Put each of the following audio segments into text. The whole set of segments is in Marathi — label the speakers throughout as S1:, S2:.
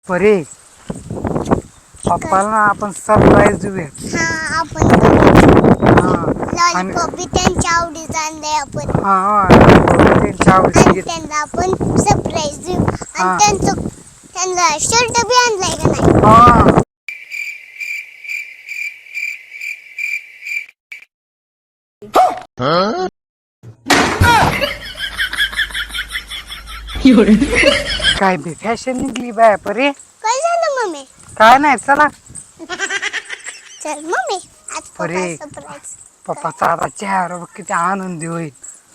S1: परे पप्पाला आपण सरप्राईज देऊया.
S2: हा आपण
S1: आणि
S2: लॉलीपॉप बी त्यांच्या आवडीचा आणलाय आपण.
S1: त्यांच्या
S2: आणि
S1: आवडीची
S2: त्यांना आपण सरप्राईज देऊ.
S1: हा.
S2: आणि त्यांना शर्ट बी आणलाय का नाही.
S1: हा काय बी फॅशन निघली बाय परे.
S2: काय झालं मम्मी.
S1: काय नाही चला
S2: चल मम्मी आज पप्पा
S1: परे
S2: सरप्राईज.
S1: पप्पाचा आता चेहरा बघ किती आनंदी होईल.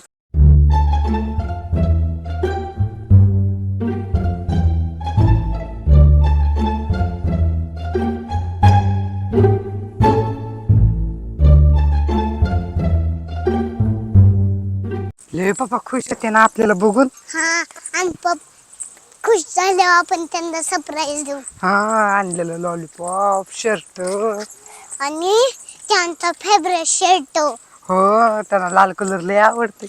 S1: लय पप्पा खुश होते ना आपल्याला बघून.
S2: हा आणि खुश झाल्यावर आपण त्यांना सरप्राईज देऊ.
S1: हा आणलेलं लॉलीपॉप शर्ट.
S2: आणि त्यांचा फेवरेट शर्ट.
S1: हो त्यांना लाल कलर लय आवडते.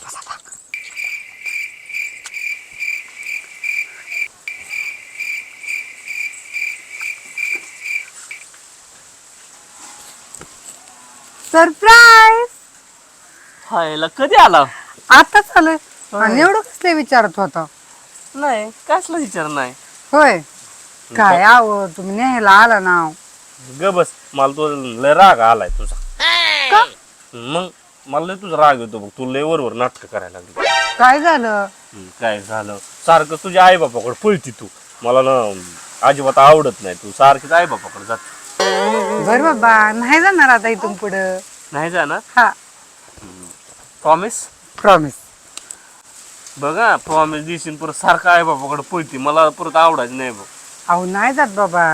S1: सरप्राईज
S3: हायला कधी आला?
S1: आताच आलं. आणि एवढं कसले विचारत होता.
S3: नाही कसला विचार नाही.
S1: होय काय आव तुम्ही न्यायला आला ना.
S3: ग बस मला तो लय राग आलाय तुझा.
S1: का?
S3: मग मला लय तुझा राग येतो बघ. तू लय वरवर नाटक करायला लागली.
S1: काय झालं.
S3: काय झालं सारखं तुझ्या आई बापाकडे पळती तू. मला ना अजिबात आवडत नाही. तू सारखीच आई बापाकडे जात.
S1: बर बाबा नाही जाणार आता इथून पुढं.
S3: नाही जाणार.
S1: हा
S3: प्रॉमिस.
S1: प्रॉमिस.
S3: बघा प्रॉमिस देशील परत सारखं आई बापाकडे पळती. मला परत आवडायचं नाही बघ.
S1: अहो नाही जात बाबा.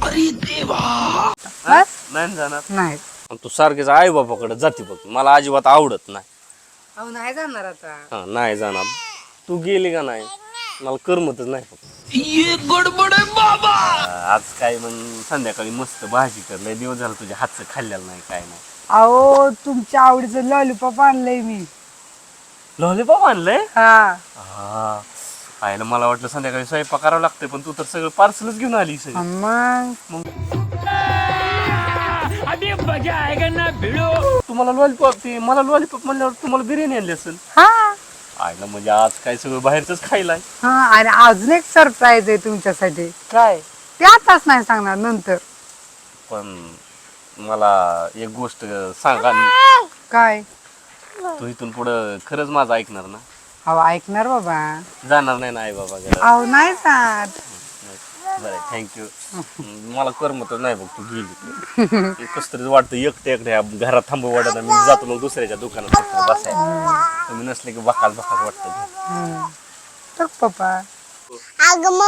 S3: बस नाही जाणार.
S1: नाही.
S3: तू सारखीच आई बापाकडे जाते बघ. मला अजिबात आवडत नाही.
S1: अहो नाही जाणार आता.
S3: हा नाही जाणार. तू गेली का नाही मला करमतच नाही. आज काय मग संध्याकाळी मस्त भाजी कर. लय दिवस झाला तुझ्या हातचं खाल्लेलं नाही काय नाही.
S1: अहो तुमच्या आवडीचं लॉलीपॉप आणलंय मी.
S3: लॉलीपॉप आणलंय.
S1: हा
S3: हा आयला मला वाटलं संध्याकाळी स्वयंपाक करावं लागतंय. पण तू तर सगळं पार्सलच घेऊन आली सगळं.
S1: मग
S3: तुम्हाला लॉलीपॉप ते मला लॉलीपॉप म्हणल्यावर तुम्हाला बिर्याणी आणली असेल.
S1: हा
S3: आयला म्हणजे आज काय सगळं बाहेरच खायलाय.
S1: हा आणि अजून एक सरप्राईज आहे तुमच्यासाठी.
S3: काय?
S1: ते आताच नाही सांगणार नंतर.
S3: पण मला एक गोष्ट सांगा.
S1: काय?
S3: तू इथून पुढं खरंच माझं ऐकणार ना.
S1: अहो ऐकणार बाबा.
S3: जाणार नाही ना आई बाबा घरात.
S1: अहो नाही जात.
S3: बरं थँक्यू. मला करमतच नाही बघ तू गेली. कस तरी वाटतं एकट्या घरात थांबू वाटत. मी जातो मग दुसऱ्याच्या दुकानात फक्त बसायला. तुम्ही नसले की बकाल वाटतं.
S1: बघ पप्पा.
S2: अगं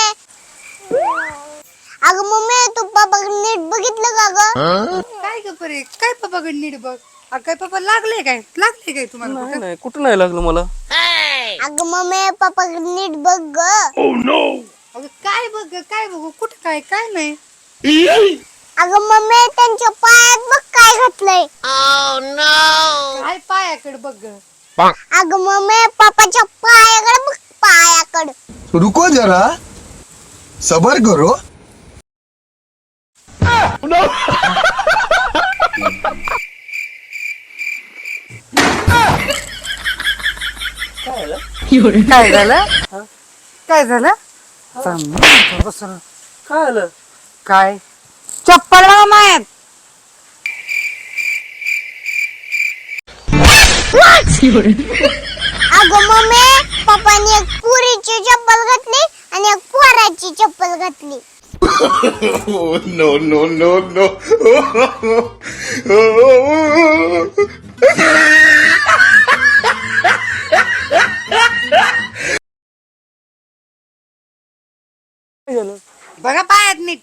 S2: मम्मी तू पप्पा नीट बघितलं का ग.
S1: काय ग परे काय पप्पाकडे नीट बघ. काय पप्पा लागले काय तुम्हाला कुठं?
S3: नाही कुठं नाही लागलं मला.
S2: अगं मम्मी पप्पा नीट बघ ग.
S1: अगं काय बघू कुठं काय नाही.
S2: अगं मम्मी त्यांच्या पायात बघ काय घातलंय.
S1: काय पायाकडे बघ ग.
S2: अगं मम्मी पप्पाच्या पायाकडे बघ पायाकडे.
S4: रुको जरा सबर करो.
S1: काय झालं. काय झालं. बसून
S3: काय आलं.
S1: काय चप्पल लावा मायात.
S2: अगं मम्मी पप्पाने एक पुरीची चप्पल घातली आणि एक पोराची चप्पल घातली.
S4: No, no, no, no.
S1: बघा पायात नीट.